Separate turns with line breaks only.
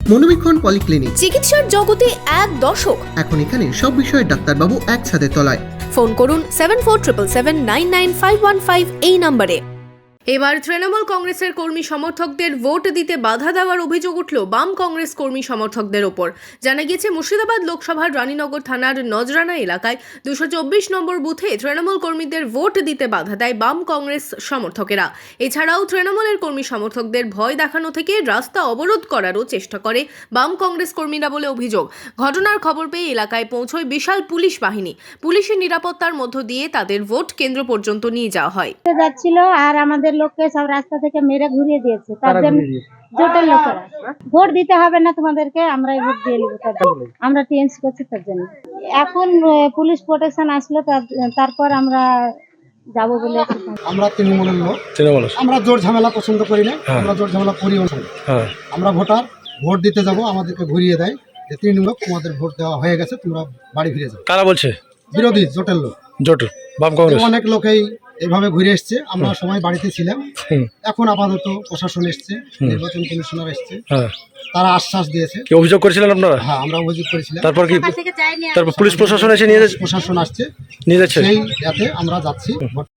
মনোবীক্ষণ polyclinic,
চিকিৎসার জগতে এক দশক।
এখন এখানে সব বিষয়ে ডাক্তারবাবু একসাথে তলায়।
ফোন করুন 7477799515 এই নম্বরে। এবার তৃণমূল কংগ্রেসের কর্মী সমর্থকদের ভোট দিতে বাধা দেওয়ার অভিযোগ উঠল বাম কংগ্রেস কর্মী সমর্থকদের ওপর। জানা গিয়েছে, মুর্শিদাবাদ লোকসভার রানীনগর থানার নজরানা এলাকায় 224 নম্বর বুথে তৃণমূল কর্মীদের ভোট দিতে বাধা দেয় বাম কংগ্রেস সমর্থকেরা। এছাড়াও তৃণমূলের কর্মী সমর্থকদের ভয় দেখানো থেকে রাস্তা অবরোধ করারও চেষ্টা করে বাম কংগ্রেস কর্মীরা বলে অভিযোগ। ঘটনার খবর পেয়ে এলাকায় পৌঁছয় বিশাল পুলিশ বাহিনী। পুলিশের নিরাপত্তার মধ্য দিয়ে তাদের ভোট কেন্দ্র পর্যন্ত নিয়ে যাওয়া হয়।
যাচ্ছিল আর আমাদের লোককে সব রাস্তা থেকে মেরে ঘুরিয়ে দিয়েছে। তার জন্য জোটের লোকেরা ভোট দিতে হবে না তোমাদেরকে, আমরাই ভোট দিয়ে নেবো। আমরা টিএমসি করছি তার জন্য। এখন পুলিশ প্রোটেকশন আসলো, তারপর আমরা যাব বলে।
আমরা তৃণমূলের লোক, আমরা জোর ঝামেলা পছন্দ করি না, আমরা জোর ঝামেলা করিও না। আমরা ভোটার, ভোট দিতে যাব, আমাদেরকে ঘুরিয়ে দেয় যে তৃণমূল তোমাদের ভোট দেওয়া হয়ে গেছে, তোমরা বাড়ি ফিরে যাও।
কারা বলছে?
বিরোধী জোটের লোক,
জোট বাম কংগ্রেস।
অনেক লোকেই এভাবে ঘুরে এসছে। আমরা সবাই বাড়িতে ছিলাম। এখন আপাতত প্রশাসন এসছে, নির্বাচন কমিশনার এসছে, তারা আশ্বাস দিয়েছে।
কি অভিযোগ করেছিলেন আপনারা?
হ্যাঁ, আমরা অভিযোগ করেছিলাম।
তারপর কি তারপর পুলিশ প্রশাসন এসে নিয়ে যাচ্ছে?
প্রশাসন আসছে,
নিয়ে যাচ্ছে।
সেই যাতে আমরা যাচ্ছি।